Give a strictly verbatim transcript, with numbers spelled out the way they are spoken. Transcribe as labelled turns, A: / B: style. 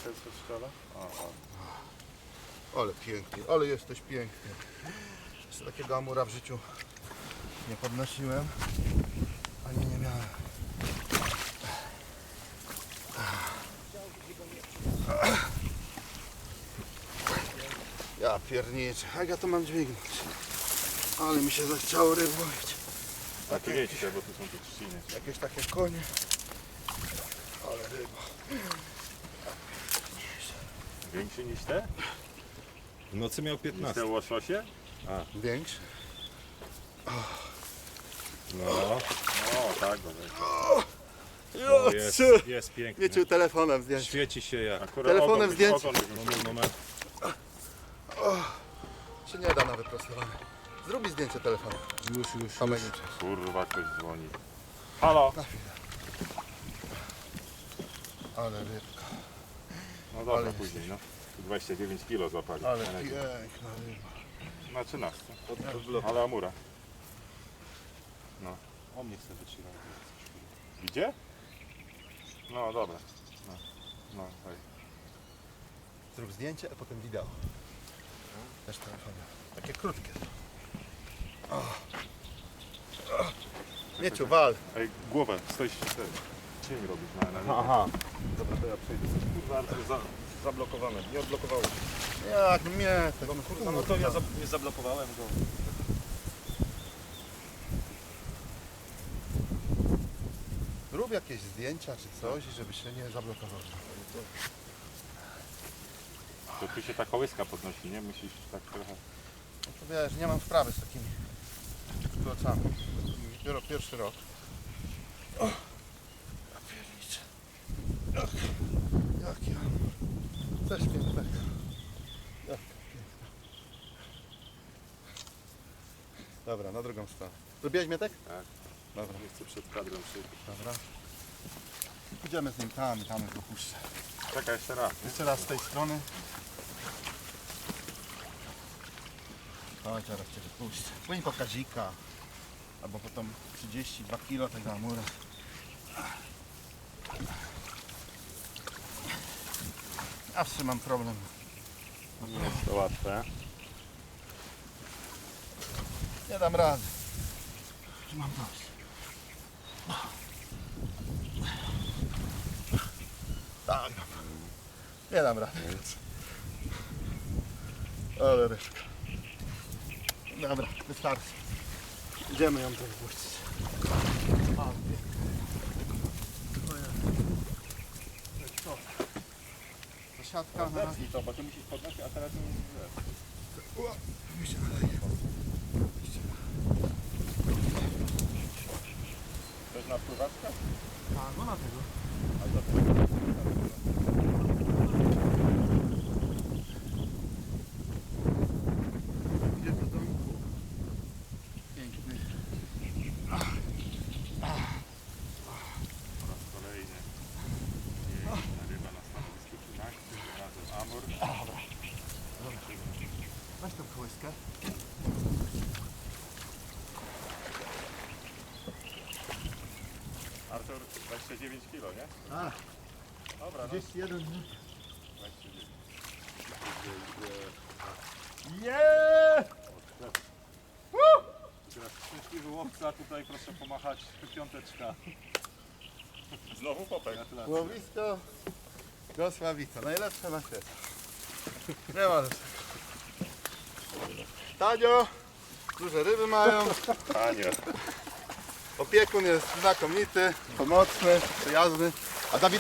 A: ten co strzela? Aha.
B: Ale pięknie, ale jesteś piękny. Jeszcze takiego amura w życiu nie podnosiłem, ani nie miałem. Ja pierniczę, jak ja to mam dźwignąć? Ale mi się zachciało ryb łowić.
A: Tak, jedźcie, bo tu są te trzciny.
B: Jakieś takie konie. Ale ryba.
A: Większy niż te?
C: W nocy miał
A: Niż
C: piętnaście.
A: te łososie?
B: Większy?
C: No,
A: O, tak, dobra.
C: no jest, jest piękny.
B: Wiecie, telefonem zdjęć.
C: Świeci się jak.
A: Akurat
B: Telefonem
A: ogon-
B: zdjęcie.
A: ogon wygląda.
C: Moment, moment.
B: Się nie da na wyprostowanie. Zrób mi zdjęcie telefonem.
C: Już, już, już.
B: Samego.
A: Kurwa, ktoś dzwoni. Halo?
B: Na chwilę. Ale rybka.
A: No dobra,
B: Ale
A: później, no. Tu dwadzieścia dziewięć kilo złapali.
B: Ale
A: Na razie.
B: piękna ryba.
A: Na trzynastce.
C: Od
A: Ale amura.
C: O mnie chce wytrzymać.
A: Idzie? No dobra. No, no hej.
B: Zrób zdjęcie, a potem wideo. Też telefonem. Takie krótkie. O. O. Mieciu, wal.
A: Ej, głowę, stoisz cztery. Cień robisz na, na linii.
B: Aha.
A: Dobra, to ja przejdę. Kurwa, Artur, za, zablokowane. Nie odblokowało się.
B: Jak mnie, tak
C: Kurwa, no to ja za, nie zablokowałem go.
B: Rób jakieś zdjęcia czy coś, żeby się nie zablokowało.
A: To tu się ta kołyska podnosi, nie? Musisz tak trochę...
B: No to wiesz, nie mam sprawy z takimi klocami. Dopiero pierwszy rok. O! Ja pierniczę. Jak, jak ja. Coś pięknego. Jak piękne. Dobra, na drugą stronę. Zrobiłeś mnie tak?
A: Tak.
B: Dobra,
A: Nie chcę przed kadrem przyjść.
B: dobra. Idziemy z nim tam i tam go puszczę.
A: Czekaj, jeszcze raz.
B: Jeszcze raz z tej strony. Chodź, zaraz cię wypuszczę. Płyń po kazika. Albo potem trzydzieści dwa kilo tego amura. Zawsze mam problem.
A: Nie jest to łatwe.
B: Nie dam rady. Mam dość. Tak. Nie dam rady. Ale rybka. Dobra, wystarczy. Idziemy ją tu wypuścić. A, pięknie. Co? To siatka na raz.
A: to, bo ty musisz podnosić, a teraz nie
B: Ua, mi się naleje.
A: To jest na pływaczkę?
B: A, no na tego.
A: A to
B: Idzie do domku. Piękny.
A: po raz kolejny piękna ryba na stanowisku trzynaście, razem amur.
B: Weź tą kołyskę.
A: Artur, dwadzieścia dziewięć kilo, nie?
B: A,
A: Dobra, no.
B: trzydzieści jeden minut.
A: dwadzieścia dziewięć.
B: Jeee!
A: Teraz szczęśliwy łowca, tutaj proszę pomachać piąteczka. Znowu popek. Gratulacje.
B: Łowisko Gosławica. Najlepsze na świecie. Nie ma lepszego. Tanio, duże ryby mają.
A: Ania.
B: Opiekun jest znakomity, pomocny, przyjazny. A Dawid